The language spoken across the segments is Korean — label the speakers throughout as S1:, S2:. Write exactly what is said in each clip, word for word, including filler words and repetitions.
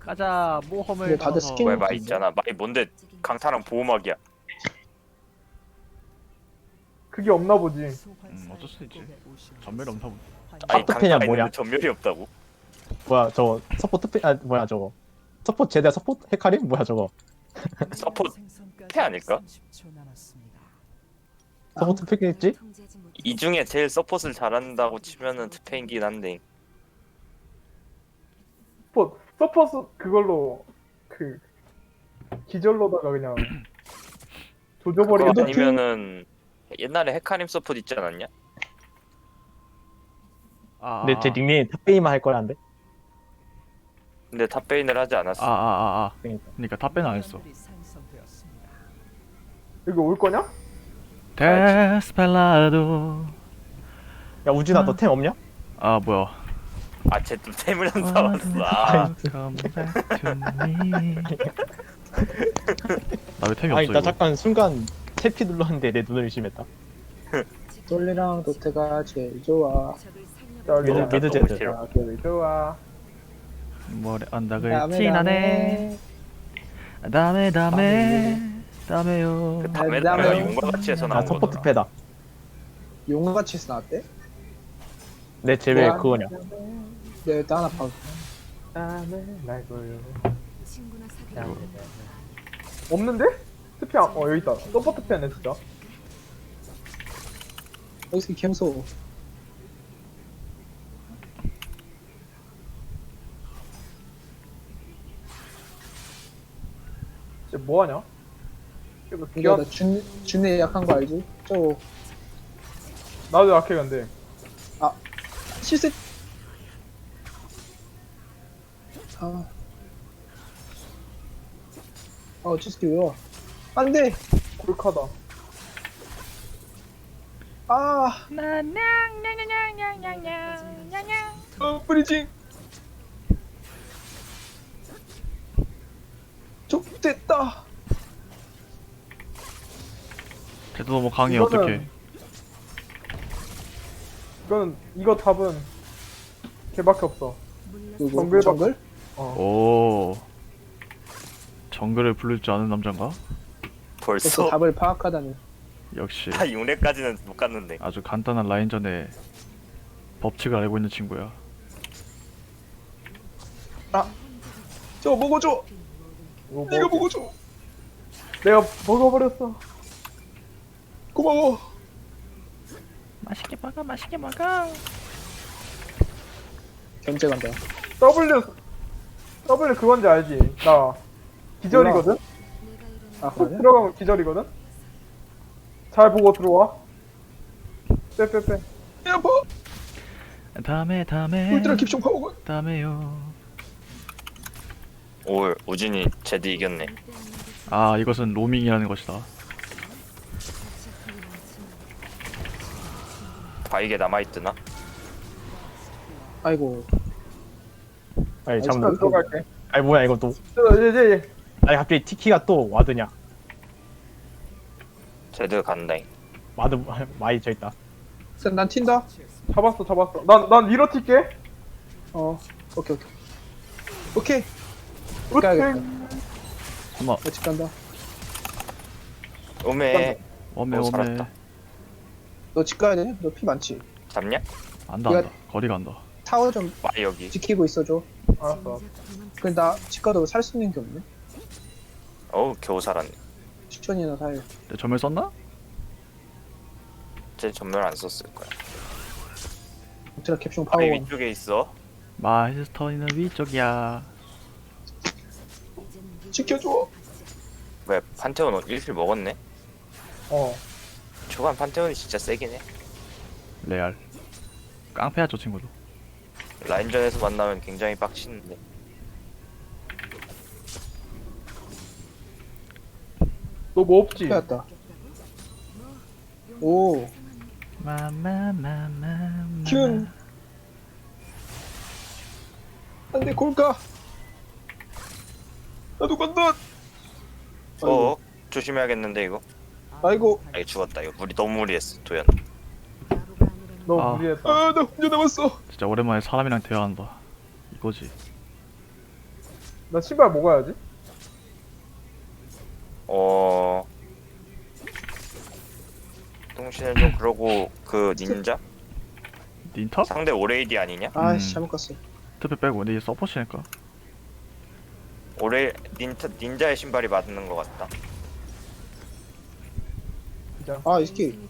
S1: 가자 모험을
S2: 근데 다들
S1: 떠나서.
S2: 스킨-
S3: 왜 마이 있잖아. 마이 뭔데 강타랑 보호막이야.
S4: 그게 없나 보지.
S1: 음 어쩔 수 있지. 전멸 없나 보네.
S3: 아니
S2: 하프펜이야,
S3: 강타가
S2: 뭐냐?
S3: 있는데 전멸이 없다고?
S2: 뭐야 저거 서포트 페.. 아 뭐야 저거 서포트 제대 서포트 헤카림? 뭐야 저거
S3: 서포트 패 아닐까?
S2: 서포트 페겠지?
S3: 이 중에 제일 서폿을 잘한다고 치면은 트페인긴 한데
S4: 서포 서포스 그걸로 그 기절로다가 그냥
S3: 그거
S4: 조져버리고.
S3: 아니면은 옛날에 헤카림 서폿 있지 않았냐?
S1: 아,
S2: 근데 제 닉네임 탑베이만 할 거란데?
S3: 근데 탑베인을 하지 않았어.
S1: 아아아 아, 아.
S2: 그러니까.
S1: 그러니까 탑배는 안 했어.
S4: 여기 올 거냐?
S1: 데스펠라도.
S2: 야 우진아 너 템 없냐?
S1: 아 뭐야?
S3: 아, 쟤 또 템을 안 사왔어. 아,
S1: Come back to me. 나 왜 템이
S2: 아니
S1: 없어
S2: 나
S1: 이거?
S2: 잠깐 순간 탭키 눌렀는데 내 눈을 의심했다
S5: 솔리랑 도트가 제일 좋아.
S4: 여기
S2: 미드, 미드 제드.
S3: 싫어.
S4: 아, 여기 좋아.
S1: 머리 언덕을
S5: 다음에,
S1: 지나네. 다음에 다음에 다음에요.
S3: 그 다음에
S5: 다음에
S3: 다음에 용과같이에서
S2: 나
S3: 나온
S2: 서포트
S3: 거더라.
S2: 패다
S5: 용같이서 나왔대?
S2: 내 제외
S5: 뭐야?
S2: 그거냐
S5: 내가 일단 하나 봐.
S4: 다음에 날 보여. 없는데? 스피 안, 어 여기 있다. 서포트 펜네 진짜.
S5: 여기서 캠소.
S4: 쟤 뭐하냐? 이거
S5: 이거
S4: 기아
S5: 나준 준에 약한 거 알지? 저거
S4: 나도 약해 근데.
S5: 실수. 아. 아, 어찌스키 왜 와? 안 돼!
S4: 골카다.
S5: 아! 어, 브리징! 족됐다!
S1: 쟤도 너무 강해
S4: 이거는-
S1: 어떡해.
S4: 이거는 이거 답은 걔밖에 없어.
S5: 누구?
S4: 정글
S5: 정글?
S4: 어.
S1: 오. 정글을 부를 줄 아는 남잔가?
S5: 벌써
S3: 벌써
S5: 답을 파악하다니.
S1: 역시
S3: 다 육 렙까지는 못 갔는데.
S1: 아주 간단한 라인전의 법칙을 알고 있는 친구야.
S5: 저거 먹어줘!
S4: 이거
S5: 네가
S4: 먹을게.
S5: 먹어줘!
S4: 내가 먹어버렸어.
S5: 고마워!
S1: 맛있게 먹어, 맛있게 먹어.
S5: 견제 간다.
S4: W W 그건지 알지? 나 기절이거든.
S5: 아,
S4: 훅
S5: 그래?
S4: 들어가면 기절이거든. 잘 보고 들어와. 빼빼빼.
S5: 야, 뭐!
S1: 다음에 다음에
S5: 울트라 깁총 파워건!
S1: 다음에요.
S3: 오, 우진이 제드 이겼네.
S1: 아 이것은 로밍이라는 것이다.
S3: 바이게 남아있드나?
S5: 아이고.
S2: 아니
S4: 일단
S2: 잠깐
S4: 들어갈게.
S2: 아니 뭐야 이거 또
S4: 저, 이제 이제
S2: 아니 갑자기 티키가 또 와드냐
S3: 제드 간다잉.
S2: 와드 마이 저있다
S5: 쌤, 난 튄다?
S4: 잡았어 잡았어. 난난 위로 튈게.
S5: 어. 오케이, 오케이. 오케이! 가야겠다.
S4: 으땡.
S1: 어머
S5: 어찌 간다.
S3: 오메.
S1: 어메
S3: 어,
S1: 어메.
S3: 살았다.
S5: 너 집 가야 돼? 너 피 많지?
S3: 잡냐?
S1: 안다
S5: 이거-
S1: 안다. 거리가 안다.
S5: 타워 좀
S3: 마이 여기.
S5: 지키고 있어줘.
S4: 알았어.
S5: 그래, 나 집 가도 살 수 있는 게 없네?
S3: 어우, 겨우 살았네.
S5: 추천이나 살.
S1: 내 점을 썼나?
S3: 쟤 전멸 안 썼을 거야.
S5: 울트라 캡슐
S3: 바이
S5: 파워건.
S3: 위쪽에 있어.
S1: 마이스터니는 위쪽이야.
S5: 지켜줘!
S3: 왜 판테온 일 킬 먹었네?
S4: 어.
S3: 초반 판테온이 진짜 세긴 해.
S1: 레알. 깡패야 저 친구도.
S3: 라인전에서 만나면 굉장히 빡치는데.
S4: 너 뭐 없지?
S5: 빼앗다. 오.
S1: 마마마마.
S5: 큐. 안 돼, 골까! 나도 간다!
S3: 어, 조심해야겠는데 이거.
S5: 아이고.
S3: 아, 이거 죽었다. 이거 무리 너무 무리했어, 도현.
S4: 너
S1: 아.
S4: 무리했다.
S5: 아, 나 혼자 남았어!
S1: 진짜 오랜만에 사람이랑 대화한다. 이거지.
S4: 나 신발 먹어야지.
S3: 어. 동시에 좀 그러고 그 닌자
S1: 닌터?
S3: 상대 오레이디 아니냐?
S5: 아씨
S1: 음.
S5: 잘못 갔어.
S1: 특히 빼고 근데 이게 서포시니까.
S3: 오레 닌자 닌자의 신발이 맞는 것 같다.
S5: 아 이스키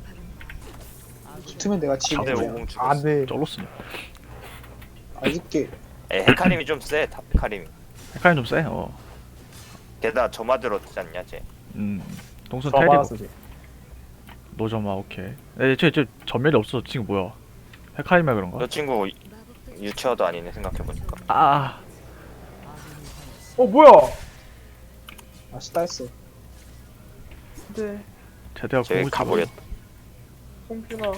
S5: 붙으면 내가 지금.
S3: 상대 오공 죽였어.
S2: 안돼.
S1: 쩔었으니.
S5: 아 이스키.
S3: 에 헤카림이 좀 세. 탑 헤카림이.
S1: 헷갈림 좀 세. 어.
S3: 게다가 저마 들었지 않냐 쟤.
S1: 음. 동순
S2: 저
S1: 테리고.
S2: 받았지.
S1: 노점아 오케이. 에, 쟤, 쟤 전멸이 없어. 지금 뭐야? 헤카림이 그런가?
S3: 저 친구 유치어도 아니네 생각해보니까.
S1: 아.
S4: 어 뭐야?
S5: 아 스타했어.
S4: 네.
S1: 제대가
S3: 쟤
S1: 공을
S3: 가버렸다.
S4: 홍준아.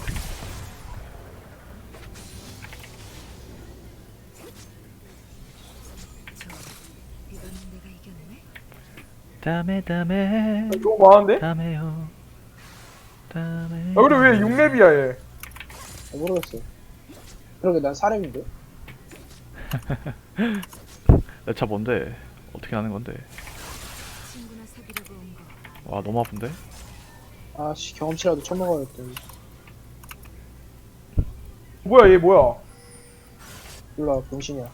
S1: 다음에 다음에
S4: 아, 너무 많은데?
S1: 다음에요. 다음에.
S4: 야 근데 왜 육 렙이야 얘?
S5: 아, 모르겠어. 그러게 난 사람인데.
S1: 내차 뭔데? 어떻게 하는 건데? 와 너무 아픈데?
S5: 아씨 경험치라도 쳐먹어야겠다.
S4: 뭐야 얘 뭐야?
S5: 몰라 병신이야.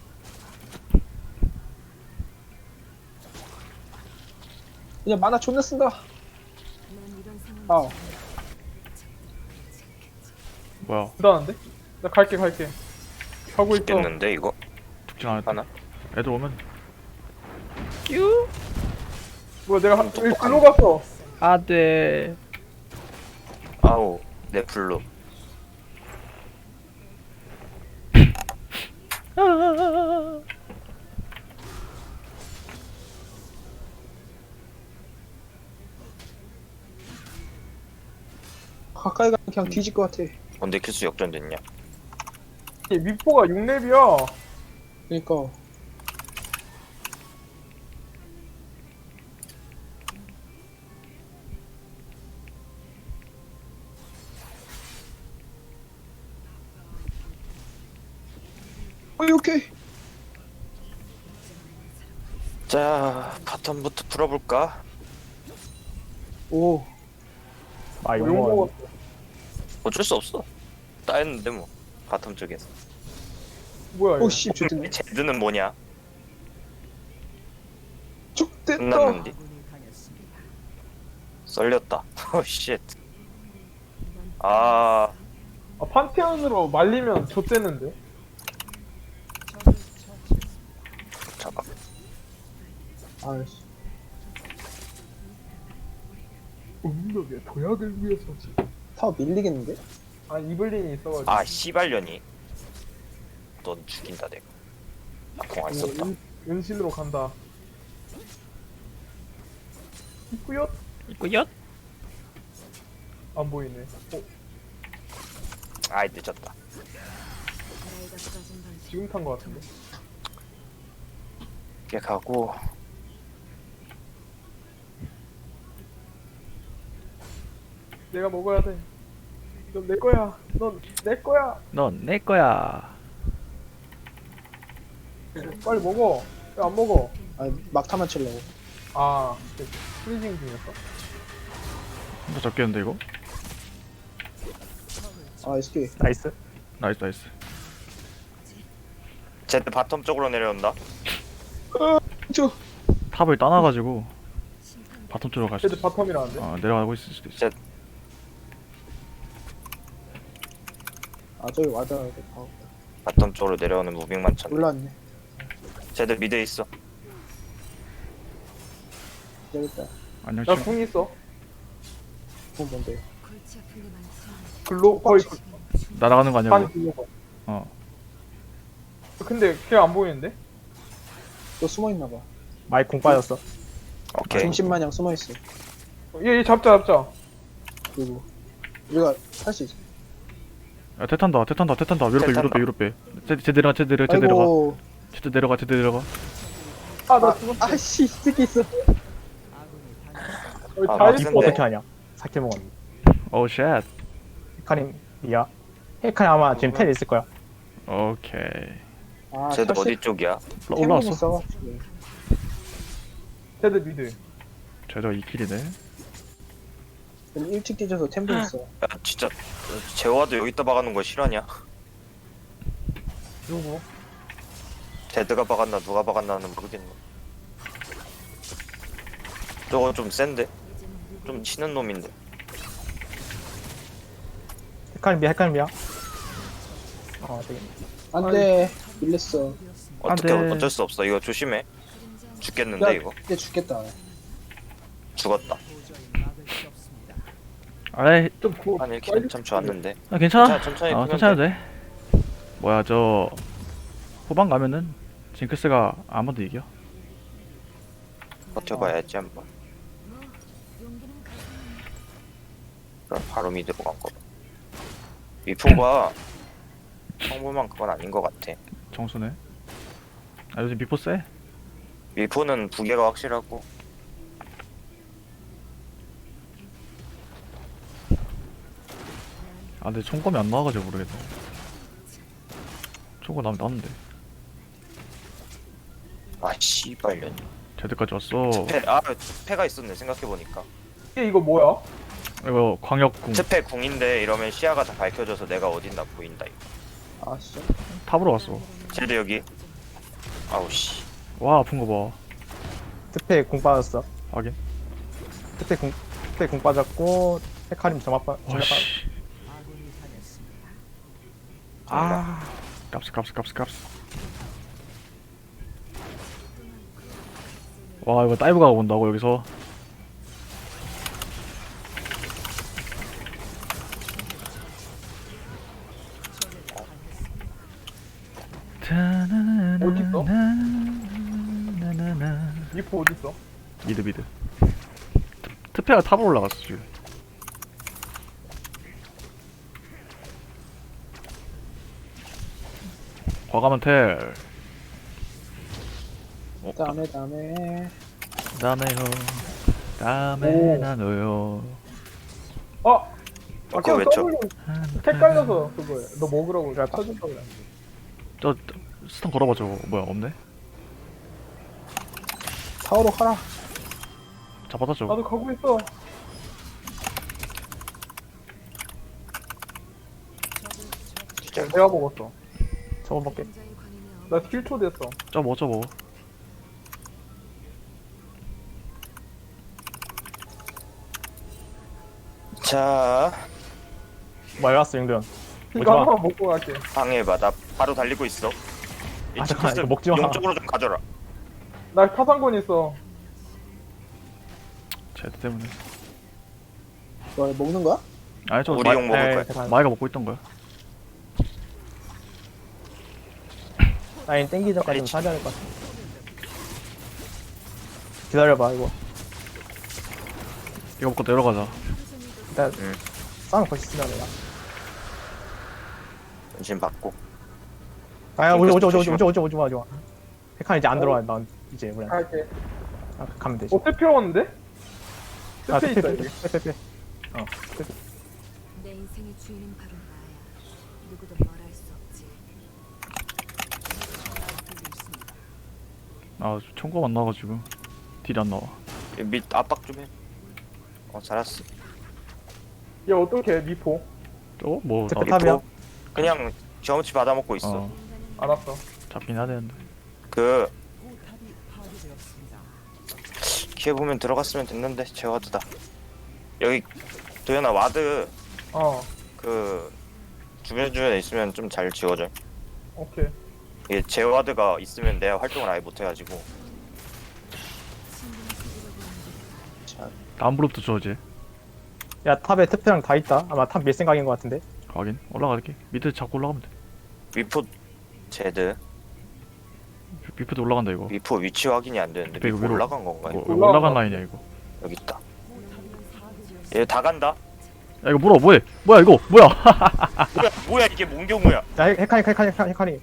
S5: 그냥 만화 존나 쓴다. 아
S1: 뭐야?
S4: 대단한데? 나 갈게 갈게. 가고 있어.
S3: 죽겠는데 이거
S1: 죽진 않았다.
S3: 하나?
S1: 애들 오면
S4: 뭐야 내가 한 여기 글로 갔어.
S1: 안돼.
S3: 아우 내 블루.
S5: 가까이 가면 그냥 뒤질 것 같아.
S3: 언제 킬수 역전됐냐?
S4: 얘 미포가 육 렙이야.
S5: 그니까 어이 오케이.
S3: 자 바텀부터 풀어볼까?
S5: 오
S2: 아 이거
S4: 욕
S2: 뭐
S4: 먹었어.
S3: 어쩔 수 없어. 따였는데 뭐 바텀 쪽에서.
S4: 뭐야 얘?
S5: 오씨 좋겠네.
S3: 제드는 뭐냐?
S5: 죽됐다.
S3: 끝났는데. 썰렸다. 오 쉣. 아
S4: 아 판테온으로 말리면 좆되는데?
S3: 잠깐.
S5: 아이씨
S4: 음력의 도약을 위해서지.
S5: 타워 밀리겠는데?
S4: 아 이블린이 있어가지고.
S3: 아 씨발년이. 넌 죽인다 내가. 아공안 썼다.
S4: 은, 은신으로 간다. 있구요?
S1: 있구요?
S4: 안 보이네. 어
S3: 아이 늦었다.
S4: 지금 탄 거 같은데.
S3: 이렇게 가고.
S4: 내가 먹어야 돼. 넌 내 거야. 넌 내 거야.
S1: 넌 내 거야.
S4: 빨리 먹어. 왜 안 먹어?
S5: 아 막타만 치려고.
S4: 아, 프리징 중이었어?
S1: 혼자 잡겠는데 이거?
S5: 아 이스키
S2: 나이스.
S1: 나이스 나이스.
S3: 제드 바텀 쪽으로 내려온다.
S5: 저
S1: 탑을 따놔가지고 바텀 쪽으로 갈 수도
S4: 쟤들
S1: 있어.
S4: 바텀이라는데?
S1: 어 내려가고 있을 수도 있어.
S3: 제-
S5: 아 저기 와닿아야 돼. 아,
S3: 바텀 쪽으로 내려오는 무빙만 쳤네.
S5: 올라왔네.
S3: 제드 미드에 있어.
S5: 여기다.
S1: 안녕
S4: 나
S1: 친구.
S4: 궁 있어.
S5: 그건 뭔데?
S4: 글로 거의
S1: 날아가는 거
S4: 반
S1: 아니야?
S4: 글로 가.
S1: 어.
S4: 근데 걔 안 보이는데?
S5: 또 숨어 있나 봐.
S2: 마이크 공 빠졌어.
S3: 오케이.
S5: 중심 마냥 숨어 있어.
S4: 얘, 얘 잡자 잡자.
S5: 그리고 우리가 할 수 있어.
S1: 야 태탄다 태탄다 태탄다 위로 빼 위로 빼 위로 빼. 제, 제 내려가 제 내려가 제 내려가.
S5: 아이고.
S1: 제 내려가 제 내려가.
S4: 아 나 죽었어.
S5: 아씨 이 새끼 있어.
S4: 어,
S3: 아,
S4: 잘
S3: 맞은데.
S4: 있어.
S2: 어떻게 하냐? 사킬 먹었는데.
S1: 오 쉣.
S2: 헤카림 이야. 헤카림 아마 지금 텔 있을 거야.
S1: 오케이.
S5: 아
S3: 제드
S5: 혈색
S3: 어디 쪽이야?
S1: 올라왔어.
S5: 있어가지고.
S4: 제드 미드.
S1: 쟤저 이 킬이네.
S5: 일찍 뒤져서 템도 있어.
S3: 야 진짜 제와도 여기다 박아놓은 거 실화냐?
S4: 누구?
S3: 제드가 박았나 누가 박았나는 모르겠네. 저거 좀 센데? 좀 치는 놈인데.
S2: 헤카림이야 헤카림이야. 어 되게.
S5: 안돼. 밀렸어.
S3: 어떻게
S1: 안 돼.
S3: 어쩔 수 없어. 이거 조심해. 죽겠는데
S5: 야,
S3: 이거.
S5: 이제 죽겠다.
S3: 죽었다.
S1: 아이,
S4: 좀 구워.
S3: 한 일 킬 참 좋았는데.
S1: 아, 괜찮아.
S3: 괜찮아, 천천히
S1: 어,
S3: 풀면
S1: 천천히 해도 돼. 뭐야, 저 후반 가면은 징크스가 아무도 이겨.
S3: 버텨봐야지 한번. 그럼 바로 미드로 간 거. 미포가 평범한 그건 아닌 것 같아.
S1: 정수네. 아, 요즘 미포 세.
S3: 미포는 부계가 확실하고.
S1: 아, 근데 총검이 안 나와가지고 모르겠네. 총검 나면 나는데.
S3: 아 씨발년.
S1: 제드까지 왔어.
S3: 패, 아 패가 있었네 생각해보니까.
S4: 이게 이거 뭐야?
S1: 이거 광역궁
S3: 스페 궁인데 이러면 시야가 다 밝혀져서 내가 어딘가 보인다 이거.
S5: 아 진짜.
S1: 탑으로 왔어.
S3: 젤드 여기. 아우 씨.
S1: 와, 아픈 거 봐.
S2: 특패 공 빠졌어.
S1: 확인.
S2: 특패 공 특패 공 빠졌고 헤카림 점압 빠. 점압 빠.
S1: 와씨. 아, 깝스 깝스 깝스 깝스. 와, 이거 다이브가 온다고 여기서.
S4: 어딨어?
S1: 나나나.
S4: 미포 어딨어?
S1: 미드 미드. 트- 트페가 탑으로 올라갔어 지금. 과감한 텔. 어,
S5: 다음에 다음에.
S1: 다음에요. 다음에
S4: 오.
S1: 나눠요.
S4: 아!
S3: 어,
S4: 아까
S3: 그거 외쳐.
S4: W 헷갈려서 그거야. 너 먹으라고 내가 쳐준다고 그래.
S1: 저, 저 스턴 걸어봐 저거. 뭐야 없네?
S5: 타워로 가라.
S1: 잡았다 저거.
S4: 나도 가고 있어.
S3: 진짜.
S4: 내가 먹었어.
S2: 저거 먹게.
S4: 나 킬 초 됐어.
S1: 저뭐 저뭐.
S3: 자
S2: 뭐 왔어 영도현.
S4: 이거
S2: 오지마.
S4: 하나만 먹고 갈게.
S3: 방해봐. 나 바로 달리고 있어. 이
S2: 아, 잠깐만,
S3: 치크스
S2: 이거 먹지 마.
S3: 용쪽으로 좀 가져라.
S4: 나 타산권 있어.
S1: 제드 때문에.
S5: 뭐 먹는 거야?
S1: 아니 저
S3: 우리
S1: 마,
S3: 용 먹을
S2: 에이,
S3: 거야.
S2: 잠깐.
S1: 마이가 먹고 있던 거야.
S2: 라인 땡기 전까지
S3: 빨리
S2: 좀 사줘야 될 것 같아. 기다려봐 이거.
S1: 이거 먹고 내려가자.
S2: 일단
S3: 응.
S2: 싸움 거시 쓰자 내가.
S3: 전신 받고.
S2: 아야 오지 오지 오지 오지
S3: 조심해.
S2: 오지 오지 오지 마 오지 마. 헤카림 이제 안 들어와. 난 이제 우리
S4: 갈게.
S2: 아, 가면 되지.
S4: 어, 페페 왔는데?
S2: 아
S4: 페페
S2: 페페
S4: 있다,
S2: 페페
S4: 여기.
S2: 페페 페페. 어 페페.
S6: 내 인생의 주인은 바로 나야. 누구도 뭘 할 수 없지.
S1: 아 총검 안 나와가지고 딜이 안 나와.
S3: 밑 압박 좀 해. 어 잘했어.
S4: 얘 어떻게 미포?
S1: 저거 뭐
S2: 제트
S1: 나,
S2: 탑이야?
S3: 그냥 경험치 받아먹고 있어.
S1: 어
S4: 알았어.
S1: 잡긴 해야 되는데.
S3: 그 기회 보면 들어갔으면 됐는데 제와드다. 여기 도현아 와드
S4: 어,
S3: 그 주변 주변에 있으면 좀 잘 지워져.
S4: 오케이.
S3: 이게 제와드가 있으면 내가 활동을 아예 못 해가지고.
S1: 다음 블록도 줘지.
S2: 야 탑에 특패랑 다 있다. 아마 탑 밀 생각인 것 같은데.
S1: 확인. 올라갈게. 미드 잡고 올라가면 돼.
S3: 위포 제드
S1: 미프도 올라간다 이거.
S3: 위포 위치 확인이 안 되는데
S1: 이거
S3: 위포
S1: 위로-
S3: 올라간 건가?
S1: 뭐,
S3: 이거?
S1: 이거 올라간 라인이야 이거.
S3: 여기 있다. 얘 다 간다.
S1: 야 이거 물어 뭐해? 뭐야 이거 뭐야?
S3: 뭐야 뭐야 이게 뭔 경우야?
S2: 야 헤- 헤카림 헤카림 헤카림 헤카림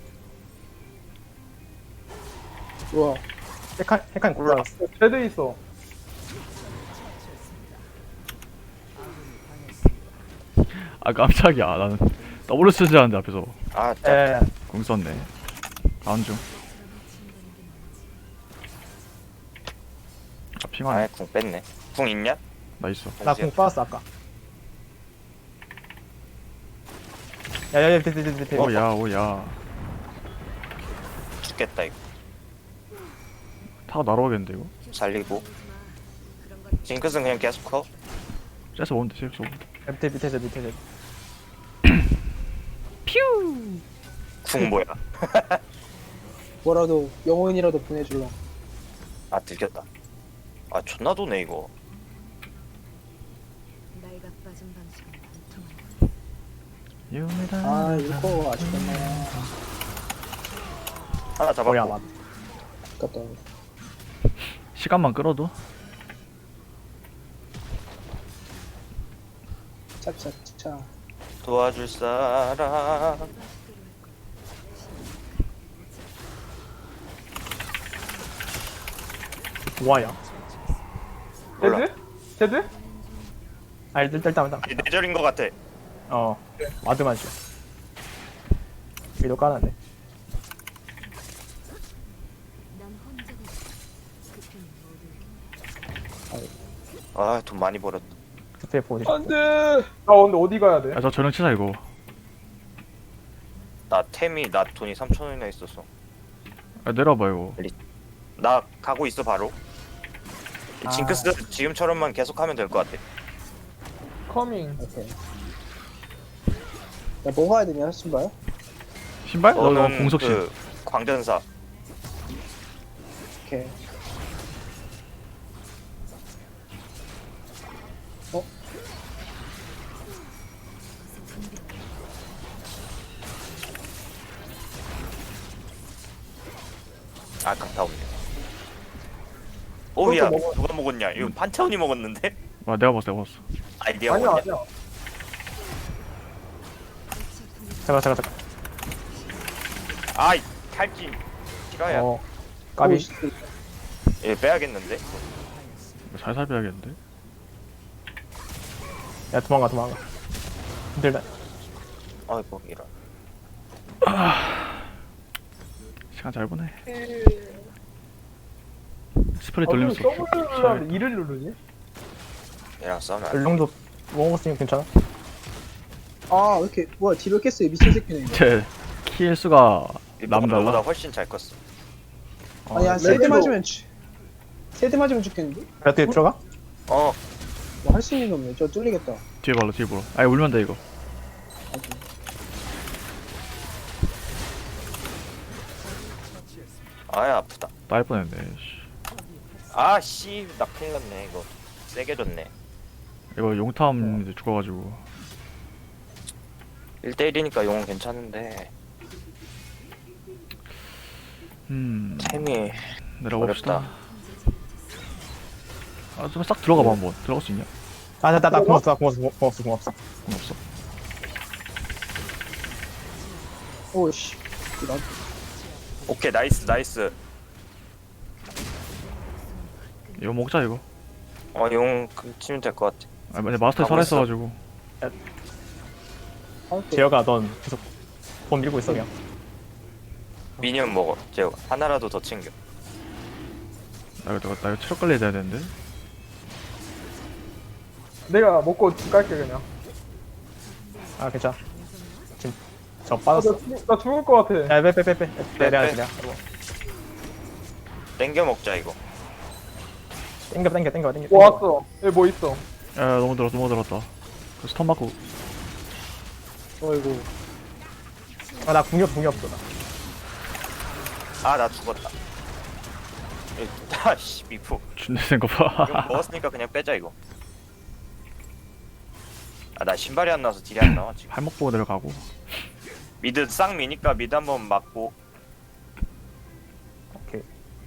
S5: 우와.
S2: 헤카림 헤카림
S3: 올라.
S2: 골랐어.
S4: 제드 있어.
S1: 아 깜짝이야. 나는 더블 쓰지 않는데 앞에서
S3: 아 짜.
S2: 에.
S1: 공 썼네. 다음 중. 아, 핑하네.
S3: 아예 궁 뺐네. 궁 있냐?
S1: 나 있어.
S2: 나 공 빠졌어 아까. 야야야 밑에 밑에 밑에.
S1: 오야 오야.
S3: 죽겠다 이거.
S1: 타고 날아오겠는데 이거.
S3: 살리고.
S6: 그런 건
S3: 징크스는 그냥 계속 커.
S1: 째서 오면 돼. 째서 오면 돼.
S2: 밑에 밑에서 밑에서.
S3: 궁 뭐야?
S5: 뭐라도 영혼이라도 보내줄라.
S3: 아 들켰다. 아 존나 도네 이거.
S6: 나이가 빠진 방식은 안 통한다.
S1: 유미다.
S5: 아 이거 아쉽겠네.
S3: 하나 잡았고.
S2: 뭐야 맞.
S5: 아깝다.
S1: 시간만 끌어도.
S5: 차차차.
S3: 도와줄 사람.
S2: 뭐야?
S3: 몰라.
S4: 제드? 제드?
S2: 아 일단 일단 일단.
S3: 아니, 내절인 것 같아.
S2: 어. 와드만 줘. 위도 까놨네.
S6: 난 혼자가 그 편이 모두
S3: 아 돈 많이 벌었다.
S2: 스페 보지.
S5: 안돼.
S4: 아 근데 어디 가야 돼?
S1: 야, 저 전령 치자 이거.
S3: 나 템이 나 돈이 삼천 원이나 있었어.
S1: 야, 내려봐 이거.
S3: 나 가고 있어 바로.
S2: 아.
S3: 징크스 지금처럼만 계속하면 될 것 같아.
S4: 커밍.
S5: 오케이. 야 뭐 가야 되냐 신발?
S1: 신발? 너, 너
S3: 너는
S1: 공속신.
S3: 그 광전사.
S5: 오케이.
S3: 아깝다 없네. 오야
S4: 그것도 먹어.
S3: 누가 먹었냐? 이거 판테온이 먹었는데?
S1: 와 내가 봤어 내가 봤어.
S3: 아니 네가
S4: 아니야
S3: 먹었냐?
S4: 아니야.
S2: 잠깐 잠깐 잠깐.
S3: 아이 탈진. 싫어야.
S2: 어. 까비.
S3: 얘 빼야겠는데?
S1: 이거 살살 빼야겠는데.
S2: 야 도망가 도망가. 힘들다.
S3: 아이고 이런.
S1: 시간 잘 보내.
S4: 에...
S1: 스프레이
S4: 아, 왜
S1: 돌리면서.
S4: 서브를 누르는데 이를 누르지?
S3: 얘랑 싸우면 안 돼.
S2: 얼렁도 먹었으면 괜찮아.
S5: 아 왜 이렇게 뭐야 뒤로 깼어 미친 새끼네 이거.
S1: 제킬 수가 남
S3: 너보다
S1: 달라.
S3: 훨씬 잘 컸어.
S5: 아니 한 세대 맞으면 죽. 세대 맞으면 죽겠는데?
S2: 어떻게 들어가?
S3: 어
S5: 뭐 할 수 있는 게 없네. 저 뚫리겠다.
S1: 뒤에 발로 뒤에 보러. 아니 울면 돼 이거.
S3: 아야 아프다.
S1: 딸 뻔했네. 씨.
S3: 아씨 나 큰일 났네 이거. 세게 줬네.
S1: 이거 용탐 이제 죽어가지고.
S3: 일 대 일이니까 용은 괜찮은데
S1: 음
S3: 템이
S1: 내려봅시다.
S3: 어렵다.
S1: 아 좀 싹 들어가봐 한번. 들어갈 수 있냐?
S2: 아나나나 고맙어 나 고맙어 고맙어 고맙어.
S1: 그건 없어.
S5: 오씨. 나
S3: 오케이 나이스 나이스.
S1: 이거 먹자 이거.
S3: 어용 치면 될 것 같아.
S1: 아 근데 마스터
S3: 가고 있어.
S1: 살아있어가지고.
S5: 할게.
S2: 제어가 넌 계속 돈 밀고 있어 그냥.
S3: 미니언 먹어 제가 하나라도 더 챙겨.
S1: 나 이거 나 이거 체력 관리 해야 되는데.
S4: 내가 먹고 집 갈게 그냥.
S2: 아 괜찮아. 지금 저
S4: 아, 나,
S2: 빠졌어.
S4: 죽- 나 죽을 것 같아.
S2: 야빼빼빼빼.
S3: 빼,
S2: 내가
S3: 빼.
S2: 그냥.
S3: 땡겨 먹자 이거.
S2: 땡겨 땡겨 땡겨 땡겨.
S4: 뭐 왔어? 여기 뭐 있어?
S1: 야 너무 들었어 너무 들었다. 그 스턴 맞고.
S5: 어이구.
S2: 아나 궁역 궁역 없어 나.
S3: 아 나 죽었다. 아씨 미프.
S1: 준비된 거
S3: 이거
S1: 봐.
S3: 먹었으니까 그냥 빼자 이거. 아 나 신발이 안 나와서 딜이 안 나와 지금.
S1: 발목 보고 내려가고.
S3: 미드 쌍 미니까 미드 한번 맞고.
S2: 오케이.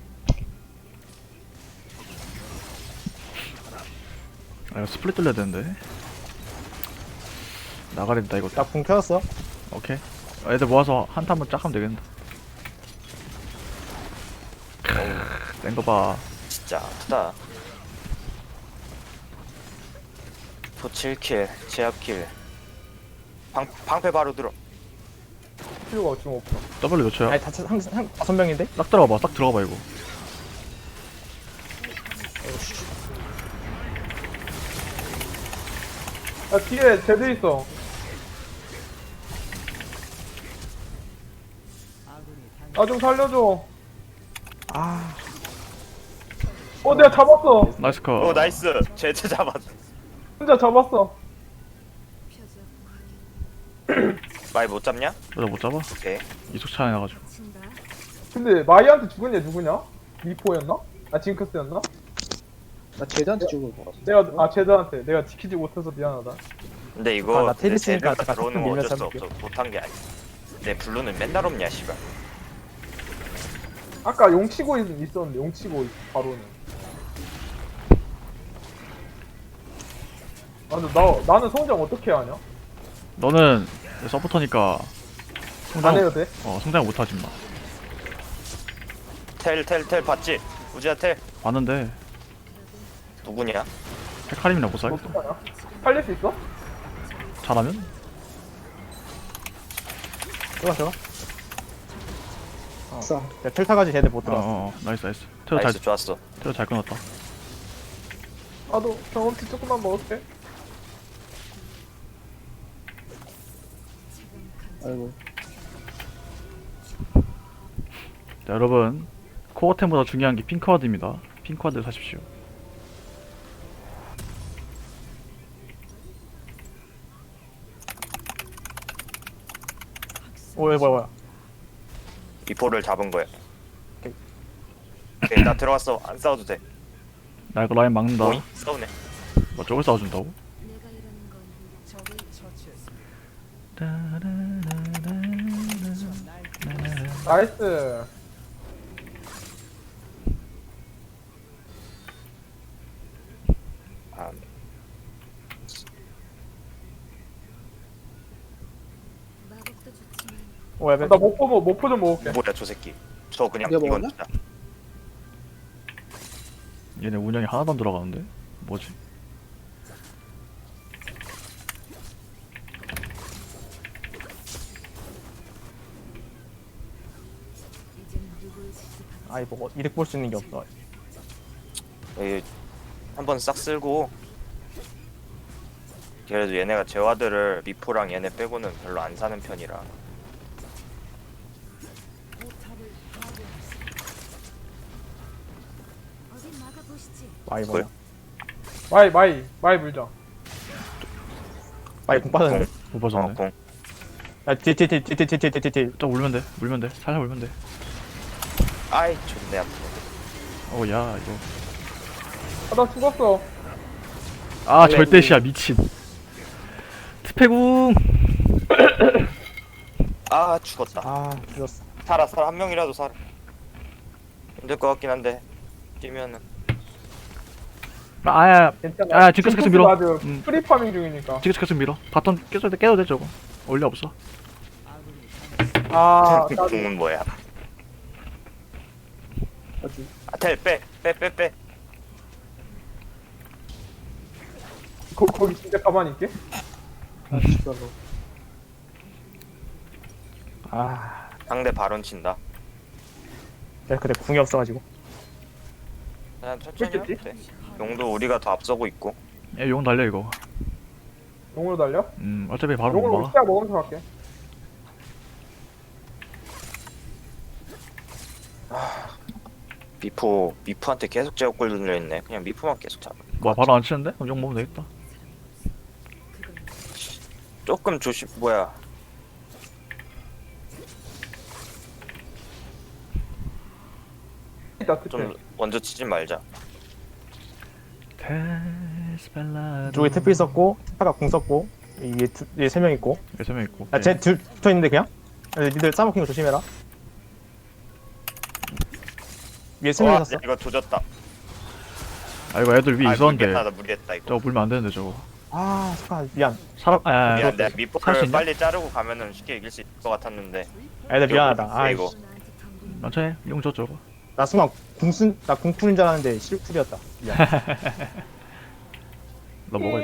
S1: 아 이거 스플릿 돌려야 되는데. 나가야 된다 이거.
S2: 나궁 켜졌어.
S1: 오케이. 아, 애들 모아서 한타 한번 쫙 하면 되겠다. 뗀거 봐.
S3: 진짜 아프다. 포칠 킬, 제압 킬. 방 방패 바로 들어.
S4: 필요가 지금 없어.
S1: W 몇 초야?
S2: 아니 다한 한 다섯 명인데?
S1: 딱 들어가봐 딱 들어가봐 이거.
S4: 야 뒤에 제드 있어. 나 좀 살려줘.
S2: 아
S4: 어 내가 잡았어.
S1: 나이스 컷.
S3: 오 나이스. 제트 잡았어.
S4: 혼자 잡았어.
S6: 표적
S3: 많이 못 잡냐?
S1: 너못 잡아?
S3: 오케이.
S1: 이속 차이 나가지고.
S6: 친다.
S4: 근데 마이한테 죽은 얘 누구냐? 미포였나? 아 징크스였나?
S5: 나 제드한테 죽을 것 같아.
S4: 내가 아 제드한테 내가 지키지 못해서 미안하다.
S3: 근데
S2: 아,
S3: 이거
S2: 나 테니스니까
S3: 제드가
S2: 잠깐
S3: 들어오는 거
S2: 밀면서
S3: 어쩔 수
S2: 해볼게.
S3: 없어. 못한 게 아니야. 내 블루는 맨날 없냐 씨발.
S4: 아까 용치고 있- 있었는데 용치고 있- 바로는. 아 근데 나 나는 성장 어떻게 하냐?
S1: 너는 서포터니까
S4: 안
S1: 성장
S4: 해도 돼?
S1: 어 성장 못하지 마.
S3: 텔 텔 텔 봤지? 우지야 텔
S1: 봤는데
S3: 누구냐?
S1: 헤카림이랑 못 살겠어.
S4: 어떡하냐? 살릴 수 있어?
S1: 잘하면?
S2: 들어가 들어가.
S5: 아싸.
S2: 내가 텔 타가지고 쟤네 못
S1: 어,
S2: 들어갔어.
S1: 어, 어. 나이스 나이스. 테러 잘
S3: 나이스 좋았어.
S1: 테러 잘 끊었다.
S4: 나도 경험치 조금만 먹을게.
S5: 아이고.
S1: 자, 여러분 코어템보다 중요한 게 핑크와드입니다. 핑크와드 사십시오.
S2: 오 뭐야 뭐야.
S3: 미포를 잡은 거야.
S2: 오케이.
S3: 오케이 나 들어갔어. 안 싸워도 돼.
S1: 나 이거 라인 막는다.
S3: 오이 싸우네.
S1: 뭐 저걸 싸워준다고?
S6: 내가 이러는 건 적을
S4: 나이스.
S3: 아,
S6: 마법도 좋지만
S2: 오야
S4: 나 목포 뭐 목포 좀 먹을게.
S3: 뭐야 저 새끼. 저 그냥
S5: 네가
S3: 이건
S5: 먹었냐?
S3: 진짜.
S1: 얘네 운영이 하나도 안 들어가는데? 뭐지?
S6: 이젠 누구의 지시받지
S2: 아이 뭐 이득 볼 수 있는 게 없어.
S3: 이 한번 싹 쓸고. 그래도 얘네가 제와드를 미포랑 얘네 빼고는 별로 안 사는 편이라.
S6: 어디 막아 보시지.
S2: 마이 뭐야.
S4: 마이 마이 마이 물자.
S2: 마이 공 빠졌는데.
S1: 못
S3: 어,
S1: 봐줬네.
S3: 공.
S2: 야뒤뒤뒤뒤뒤뒤뒤뒤
S1: 좀 울면 돼. 울면 돼. 살살 울면 돼.
S3: 아이 좋네 아프네.
S1: 어야 이거.
S4: 아 나 죽었어.
S1: 아 절대시야 미친. 트페궁.
S3: 아 죽었다.
S2: 아 죽었어.
S3: 살아 살아 한 명이라도 살아. 힘들 것 같긴 한데 뛰면은.
S1: 아야.
S4: 괜찮아.
S1: 아, 징크스 계속 밀어.
S4: 아주
S1: 음.
S4: 프리 파밍 중이니까.
S1: 지금 계속 밀어. 바텀 깨도 돼 깨도 돼 저거. 원리 없어.
S4: 아 나도
S3: 공은 뭐야?
S5: 아주.
S3: 아텔 빼 빼 빼 빼.
S4: 거, 거기 진짜 가만히 있게.
S5: 아 진짜로.
S2: 아
S3: 상대 바론 친다.
S2: 내가 그때 궁이 없어가지고.
S3: 그냥 천천히 하면
S4: 그랬겠지?
S3: 돼. 용도 우리가 더 앞서고 있고.
S1: 얘 용 달려 이거.
S4: 용으로 달려?
S1: 음 어차피 바로 못
S4: 용으로
S1: 막아.
S4: 시야 먹으면서 갈게.
S3: 미포 미포한테 계속 제어골 들려 있네. 그냥 미포만 계속 잡아.
S1: 뭐 바로 안 치는데? 그럼 용 먹으면 되겠다.
S6: 그건
S3: 조금 조심 뭐야?
S4: 있다 특히.
S3: 좀 먼저 치지 말자.
S1: 데스펠라도.
S2: 쪽에 태필 썼고 태파가 궁 썼고 이게 두, 얘 세 명 있고.
S1: 세명 있고.
S2: 야쟤둘 붙어 있는데 그냥. 야, 니들 싸먹힌 거 조심해라. 위에 세 명
S3: 와,
S2: 있었어.
S3: 야, 이거 조졌다.
S1: 아 이거 애들 위에
S3: 아,
S1: 있었는데.
S3: 무리했다, 나 무리했다 이거.
S1: 저거 물면 안 되는데 저거.
S2: 아 잠깐 미안.
S1: 사람 아
S3: 미안, 내가
S1: 살수
S3: 미포를
S1: 있나?
S3: 빨리 자르고 가면은 쉽게 이길 수 있을 것 같았는데.
S2: 애들 미안하다. 아
S3: 이거.
S6: 나한테 덤비는
S1: 천천히 용 줘, 저거.
S2: 나 순간 궁순 나 궁푸는 줄 알았는데 실쿨이었다. 미안.
S1: 너 먹어.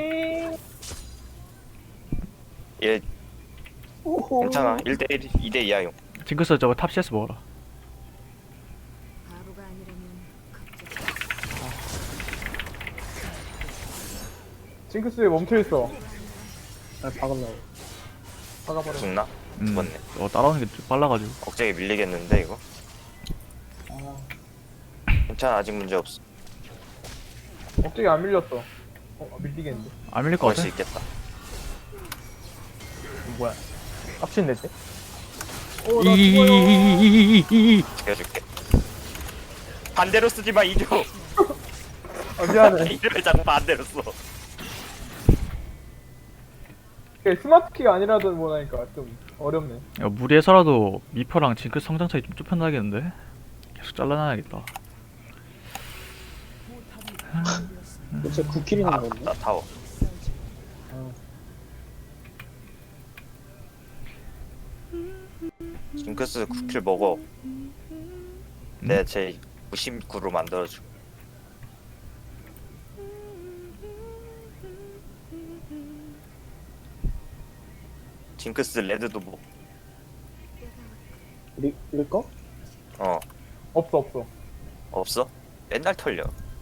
S3: 얘
S5: 오호.
S3: 괜찮아. 일 대 일, 이 대 이야 용.
S1: 징크스 저거 탑 씨에스 먹어라.
S6: 바보가 아니라면 걱정.
S4: 징크스 왜 멈춰있어?
S5: 아, 박으려고.
S4: 박아버려.
S3: 죽나?
S1: 음,
S3: 죽었네.
S1: 어, 따라오는 게 좀 빨라가지고.
S3: 억제기 밀리겠는데 이거?
S5: 아,
S3: 괜찮아 아직 문제 없어.
S4: 억제기 안 밀렸어. 어, 밀리겠는데.
S1: 안 밀릴 것
S3: 걸
S1: 같아.
S3: 수 있겠다.
S2: 뭐야? 깝치는 데지?
S4: 어, 나 죽어요.
S1: 이이이이이이이.
S3: 죽여줄게. 반대로 쓰지 마 이조.
S4: 아, 미안해.
S3: 이를 자꾸 반대로 써.
S4: 이게 스마트키가 아니라도 뭐라니까 좀 어렵네.
S1: 야, 무리해서라도 미퍼랑 징크 성장 차이 좀 좁혀나겠는데? 계속 잘라놔야겠다.
S5: 도대체 구 킬이나
S3: 아,
S5: 먹었네.
S3: 나 타워. 징크스 구 킬 먹어. 내가 제 구십구로 만들어줘. 징크스 레드도 뭐,
S5: 리, 릴 거?
S3: 어,
S4: 없어 없어.
S3: 없어? 맨날 털려.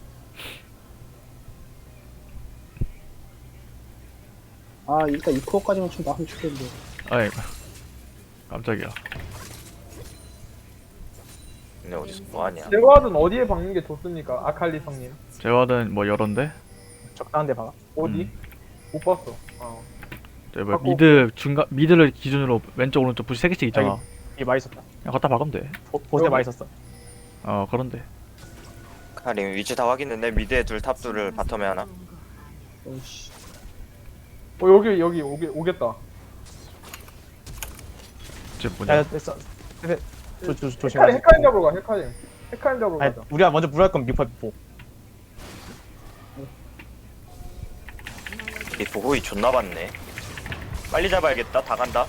S5: 아, 일단 이 코어까지만 좀 나오면 좋겠는데.
S1: 아이, 깜짝이야.
S3: 근데 어디서 뭐하냐.
S4: 제거하든 어디에 박는 게 좋습니까? 아칼리 성님.
S1: 제와든 뭐 여런데?
S2: 적당한 데 박아.
S4: 어디?
S1: 음.
S4: 못 봤어. 어.
S1: 저 뭐
S4: 바꿔.
S1: 미드 중간 미드를 기준으로 왼쪽 오른쪽 부시 세 개씩 있잖아.
S2: 이게 맛있었다.
S1: 그냥 갖다 박으면 돼.
S2: 보, 보세 맛있었어.
S1: 어 그런데.
S3: 카림 위치 다 확인했네. 미드에 둘, 탑 둘을 바텀에 하나.
S5: 어이씨.
S4: 어 여기 여기 오게 오겠다.
S1: 이제
S2: 야,
S1: 뭐냐?
S2: 됐어. 조, 조, 조,
S4: 헤카림
S2: 조심해.
S4: 헤카림 잡으러 가. 헤카림. 헤카림 잡으러
S2: 아니,
S4: 가자.
S2: 우리가 먼저 물할 건 미퍼 미포.
S3: 이 보호이 존나 많네. 빨리 잡아야겠다. 다 간다.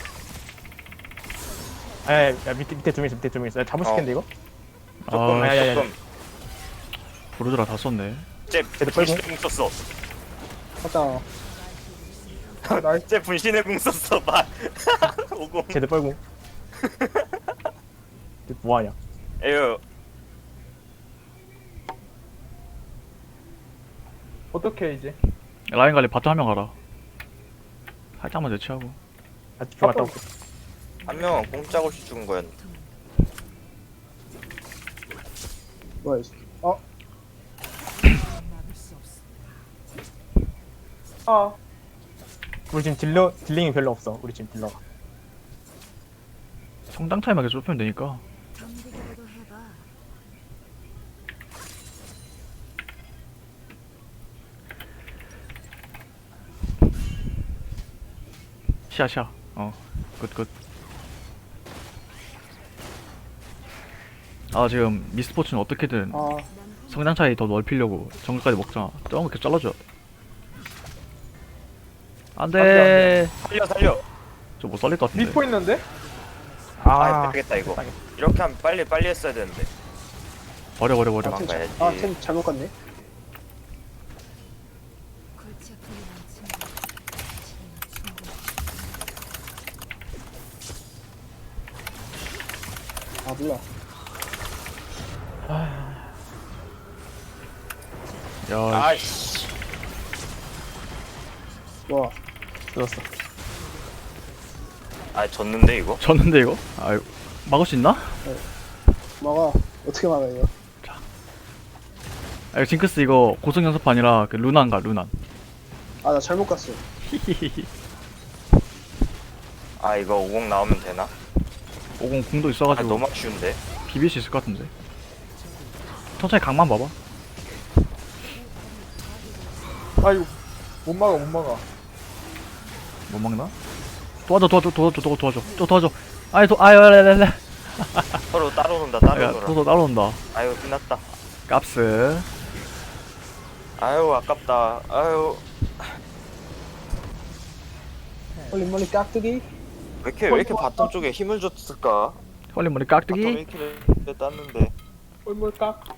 S2: 아, 야, 야, 밑에 밑에 두명 있어. 밑에 두명 있어. 야, 잡을 수
S3: 어.
S2: 있겠는데 이거?
S3: 조금,
S1: 아,
S2: 야, 야, 야.
S3: 조금.
S1: 브루드라 다 썼네.
S3: 쟤
S2: 쟤들 빨고.
S3: 분신의 궁 썼어.
S5: 맞다.
S4: 나이스.
S3: 쟤 분신의 궁 썼어. 봐. 오공.
S2: 쟤들 뻘궁. 뭐하냐?
S3: 에휴.
S4: 어떻게 이제?
S1: 라인 관리 바텀 한 명 가라. 살짝만 대치하고.
S2: 아, 들어갔다 올게.
S3: 한 명은 꼼짝없이 죽은 거였는데.
S5: 뭐야, 이 새끼. 어?
S4: 아
S2: 우리 지금 딜러 딜링이 별로 없어. 우리 지금 딜러가.
S1: 성장 차이만 계속 좁히면 되니까.
S6: 경비라도 해봐.
S1: 시야 시야. 어. 굿 굿. 아 지금 미스포츠는 어떻게든
S5: 아,
S1: 성장 차이 더 넓히려고 정글까지 먹자. 조금 계속 잘라줘.
S4: 안 돼, 안
S1: 안돼.
S3: 살려 살려.
S1: 저 못 살릴 것 같은데.
S4: 미포 있는데?
S3: 아,
S2: 아,
S3: 되겠다 이거.
S2: 당했다.
S3: 이렇게 하면 빨리 빨리 했어야 되는데.
S1: 버려 버려 버려.
S5: 아, 템,
S3: 가야지.
S5: 자, 아, 템 잘못 갔네.
S6: 골치 아픈 남친. 지금 충분해.
S5: 아, 몰라.
S1: 야
S3: 아이씨.
S5: 와,
S2: 죽었어.
S3: 아 졌는데 이거?
S1: 졌는데 이거? 아유 막을 수 있나?
S5: 막아. 어떻게 막아, 이거?
S1: 아 이거 징크스 이거 고성 연습 아니라 그 루난가 루난.
S5: 아, 나 잘못 갔어.
S1: 히히히히.
S3: 아 이거 오공 나오면 되나?
S1: 오공 궁도
S3: 아
S1: 있어가지고
S3: 너무 아쉬운데.
S1: 비빌 수 있을 것 같은데. 천천히 각만 봐봐.
S4: 아 이거 못 막아 못 막아.
S1: 못 막나? 도와줘 도와줘 도와줘 도와줘 도와줘 또 도와줘. 아이 도 아유 레레레.
S3: 서로 따로 논다 따로
S1: 야
S3: 놀아.
S1: 도서 따라온다.
S3: 아유 끝났다.
S1: 깝스.
S3: 아유 아깝다. 아유
S5: 멀리 멀리 깍두기?
S3: 왜 이렇게 왜 이렇게 바텀 쪽에 힘을 줬을까?
S1: 헐리 머리
S3: 바텀
S1: 깍두기.
S3: 일 킬을 땄는데.
S4: 꼴물 깍.